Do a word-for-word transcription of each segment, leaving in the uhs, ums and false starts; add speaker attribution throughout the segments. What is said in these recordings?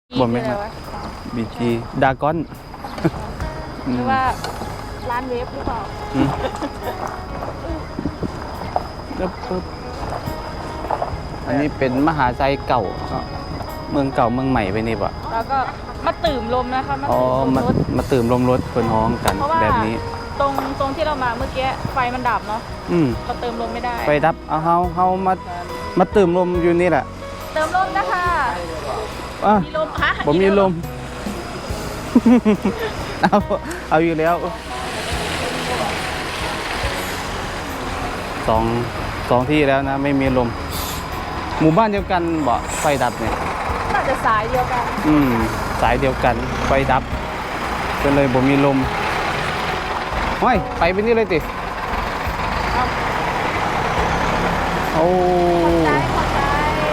Speaker 1: บ่แม่นบีจีดากอน
Speaker 2: หรือว่าร้านเวฟหรือเปล่า
Speaker 1: ปึ๊บอันนี้เป็นมหาชัยเก่าเมืองเก่าเมืองใหม่ไปนี่ป่ะ
Speaker 2: แล้วก็มาตื่มลมนะคะมา
Speaker 1: อ๋อมามาตื่มลมรถคนห้องกันแบบนี้
Speaker 2: ตรงตรงที่เรามาเมื่อกี้ไฟมันดับเนาะ
Speaker 1: อืม
Speaker 2: เราเติมลมไม่ได้
Speaker 1: ไฟดับเอาเฮาเฮามามาตื่มลมอยู่นี่แหละ
Speaker 2: เติมลมนะคะมีลมฮะ
Speaker 1: ผมมีลมเอาเอาอยู่แล้วสองสองที่แล้วนะไม่มีลมหมู่บ้านเดียวกันบ่ไฟดับเนี่ย
Speaker 2: น่าจะสายเดียวกัน
Speaker 1: อืมสายเดียวกันไฟดับก็เลยบ่มีลมเฮ้ยไปไปนี่เลยติโอ้
Speaker 2: ใจขอใจ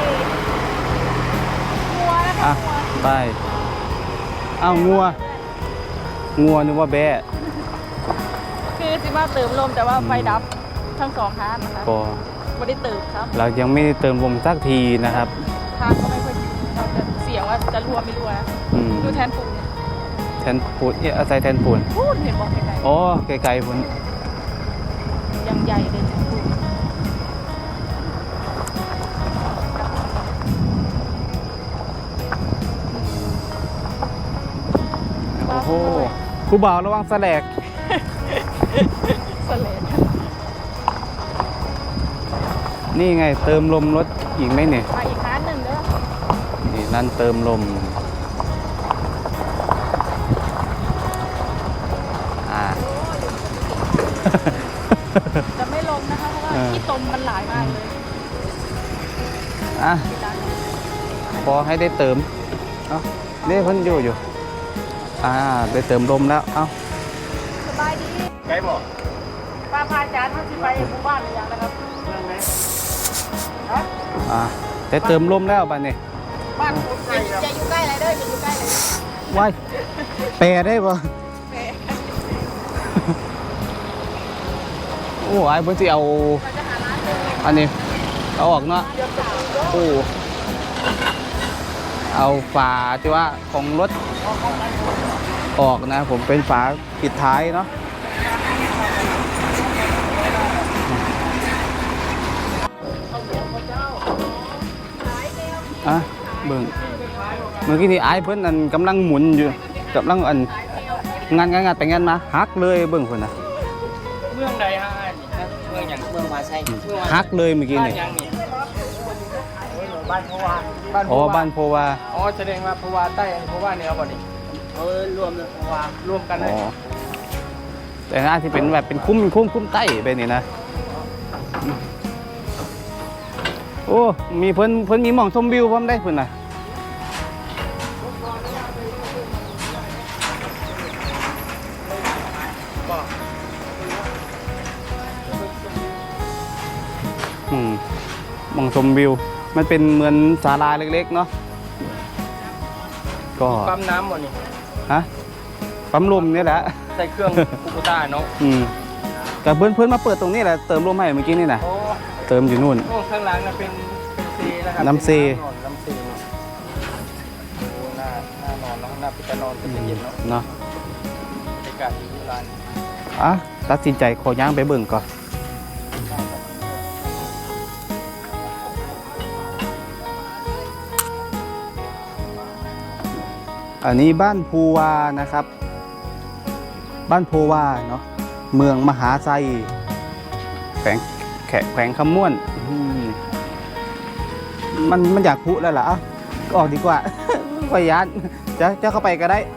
Speaker 2: งัวนะคะ
Speaker 1: ไปอ้าวงัวงัวนึกว่าแบะ
Speaker 2: คือสิมาเติมลมแต่ว่าไฟดับทั้งสองทางนะคะ
Speaker 1: ก็
Speaker 2: ไม่ได้เติมครับ
Speaker 1: เรายังไม่ได้เติมลมสักทีนะครับ
Speaker 2: ทางก็ไม่ค่อยดีเราจะเสี่ยงว่าจะรั่วไม่รั่วนะดูแทนปูน
Speaker 1: แทนปูนเอ๊ะอาศัยแทนปูน
Speaker 2: ปูนเห็นบอกไกล
Speaker 1: ๆอ๋อไกลๆปูน
Speaker 2: ยังใหญ่เลยแทนปูน
Speaker 1: โอ้โหผู้บ่าวระวังแสลก
Speaker 2: แสลก
Speaker 1: นี่ไงเติมลมรถอีกไหมเนี่ย
Speaker 2: มาอีกร้านหนึ่งเด้อ
Speaker 1: นี่นั่นเติมลมอ่า
Speaker 2: จะไม่ลงนะคะเพราะว่าที่ตมมันหลายมากเลย
Speaker 1: อ่ะพอให้ได้เติมเอ้านี่เพิ่นอยู่อยู่อ่าได้เติมลมแล้วเอ้า
Speaker 2: สบายดี
Speaker 3: ไกลบอก
Speaker 2: ป้าพาอาจารย์ท่านที่ไปหมู่บ้านหรือยังนะครับ
Speaker 1: อ่าได้เติมลมแล้วบ้านนี้
Speaker 2: บ้านจะอยู่ใกล้อะไรเด้อจะอยู่ใกล้เลย
Speaker 1: ว้ายแปรได้ป่ะโอ้ยเพิ่นสิเอาอันนี้เอาออกเนาะโอ้เอาฝาที่ว่าของรถออกนะผมเป็นฝาปิดท้ายเนาะอ่ะเบิ่งเมื่อกี้นี่ไอ้เพิ่นอันกำลังหมุนอยู่กำลังอันงานงานงานไปงานมาฮักเลยเบิ่งเพิ่นน่ะ
Speaker 3: เมืองใดฮะเมืองอย่างเมืองมาใช่
Speaker 1: ฮักเลยเมื่อกี้นี่
Speaker 3: บ้านโพวา
Speaker 1: อ๋อบ้านโพวา
Speaker 3: อ๋อแสดงว่าโพวาใต้โพวาเหนือบ่นี่เออรวมเลยโพวารวมกันเลย
Speaker 1: อ๋อแต่น่าที่เป็นแบบเป็นคุ้มคุ้มคุ้มใต้ไปนี่นะโอ้มีเพิ่นเพิ่นมีหม่องชมวิวพร้อมได้เพิ่นน่ะอืมหม่องชมวิวมันเป็นเหมือนศาลาเล็กๆเนาะก็
Speaker 3: ปั๊มน้ำบ่นี่
Speaker 1: ฮะปั๊มลมนี่แหละ
Speaker 3: ใส่เครื่องคูบูต้าเนาะ
Speaker 1: อืมแต่เพื่อนเพื่อนมาเปิดตรงนี้แหละเติมลมให้เมื่อกี้นี่นะเติมอยู่นู่น
Speaker 3: ข้างหลังน่ะเป็นเป็นซีนะครับ
Speaker 1: น้ำซี
Speaker 3: น้ำซีโอ้หน้าหน้านอนแล้วหน้าปิดนอนก็จะเย็นเนาะ
Speaker 1: เนาะ
Speaker 3: บรรยากาศดีร้าน
Speaker 1: อ่ะตัดสินใจขอย่างไปเบิ่งก่อนอันนี้บ้านภูวานะครับบ้านภูวาเนาะเมืองมหาไซแขวงแขแขวงคำม่วนมันมันอยากพุแล้วล่ะอ่ะก็ออกดีกว่าขอยานจะจะเข้าไปก็ได้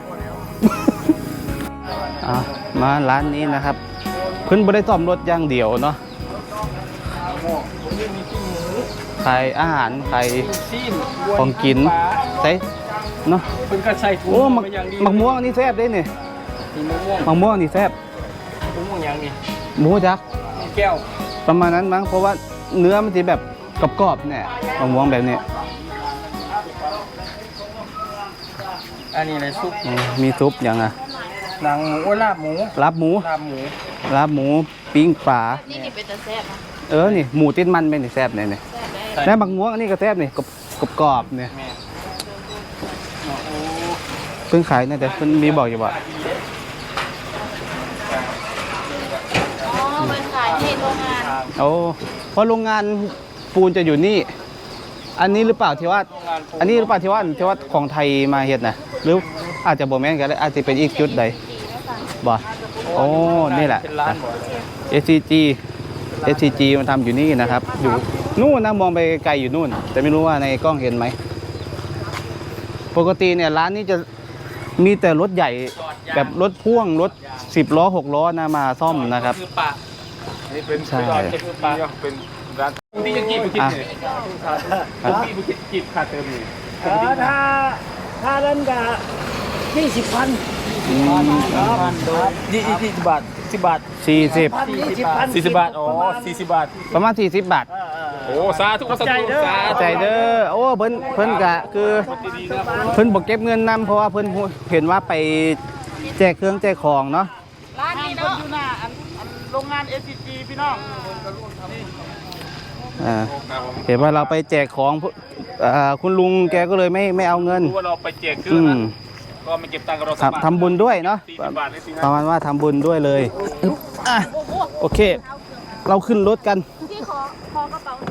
Speaker 1: อ่ะมาร้านนี้นะครับเพิ่นบ่ได้ซ่อมรถอย่างเดียวเนาะขายอาหารขายของกินใช่เนาะ
Speaker 3: เพิ่นก็ใส่ถุง
Speaker 1: มาอย่างดีมักม่วงนี่แซ่บเด้นี่มักม่วงนี่แซ่บ
Speaker 3: มักม่วงอย่างนี้
Speaker 1: หมูจัก
Speaker 3: แก้ว
Speaker 1: ประมาณนั้นมั้งเพราะว่าเนื้อมันจะแบบกรอบๆเนี่ยมักม่วงแบบนี้
Speaker 3: อันนี้อะไรซุป
Speaker 1: มีซุปอย่างอ่ะ
Speaker 3: หนังหมูลาบหมู
Speaker 1: ลาบหมู
Speaker 3: ลาบหมู
Speaker 1: ลาบหมูปิ้งปลา
Speaker 2: นี่นี่เป็นตะแซ่บ
Speaker 1: เออนี่หมูติดมันเป็นแซ่บเนี่ยนี่แล้วมักม่วงอันนี้ก็แซ่บนี่กรอบๆเนี่ย
Speaker 3: โ
Speaker 1: เพิ่งขายนะแต่เพิ่นมีบอกอยู่ว่า
Speaker 2: อ๋อไปขายที่โรงงาน
Speaker 1: โอ้เพราะโรงงานปูนจะอยู่นี่ อันนี้หรือเปล่าที่ว่า อันนี้หรือเปล่าที่ว่าที่ว่าของไทยมาเฮ็ดนะหรืออาจจะบ่แม่นกันเลยอาจจะเป็นอีกจุดใดบ่โอ้นี่แหละ
Speaker 3: เป็นร้านหมด
Speaker 1: เอส ซี จี เอส ซี จี มันทำอยู่นี่นะครับ อยู่นู่นนะมองไปไกลอยู่นู่น แต่ไม่รู้ว่าในกล้องเห็นไหม ปกติเนี่ยร้านนี้จะมีแต่รถใหญ่แบบรถพ่วงรถสิบล้อหกล้อนะมาซ่อมนะครับ
Speaker 3: คือปลานี่เป็น
Speaker 1: ใช่
Speaker 3: เป็นคือปลาเป็นร้านที่ยังกี่บุคิดเนี่ยที่บุคิดกีบขาดเติมอยู่
Speaker 4: ถ้าถ้าเล่นกับยี่สิบพัน
Speaker 1: อืม
Speaker 3: ยี่ยี่สิบบาทสิบบาท
Speaker 1: สี่สิบ
Speaker 4: ยี่สิบพัน
Speaker 3: สี่สิบบาทอ๋อสี่สิบบาท
Speaker 1: ประมาณสี่สิบบาท
Speaker 3: โอ้สาธุสาธุสาธุ
Speaker 1: ใจเด้อโอ้เพิ่นเพิ่นกะคือเพิ่นบอกเก็บเงินนำเพราะว่าเพิ่นเห็นว่าไปแจกเครื่องแจกของเนาะ
Speaker 2: ร้านนี้เนาะ
Speaker 4: อยู่หน้าอันอันโรงงาน เอส ซี จี พี่น้อง
Speaker 1: อ่าเห็นว่าเราไปแจกของอ่าคุณลุงแกก็เลยไม่ไม่เอาเงิน
Speaker 3: รู้ว่าเราไปแจกเครื่
Speaker 1: อื
Speaker 3: อง
Speaker 1: ม
Speaker 3: นะก็ไม่เก็บตังค์กับเราสักบาท
Speaker 1: ทำทำบุญด้วยเนาะ
Speaker 3: สี่สิบบาทเลยสิ
Speaker 1: ประมาณว่าทำบุญด้วยเลยอึ๊บอ่ะโอเค เราขึ้นรถกัน
Speaker 2: ที่ขอขอกระเป๋า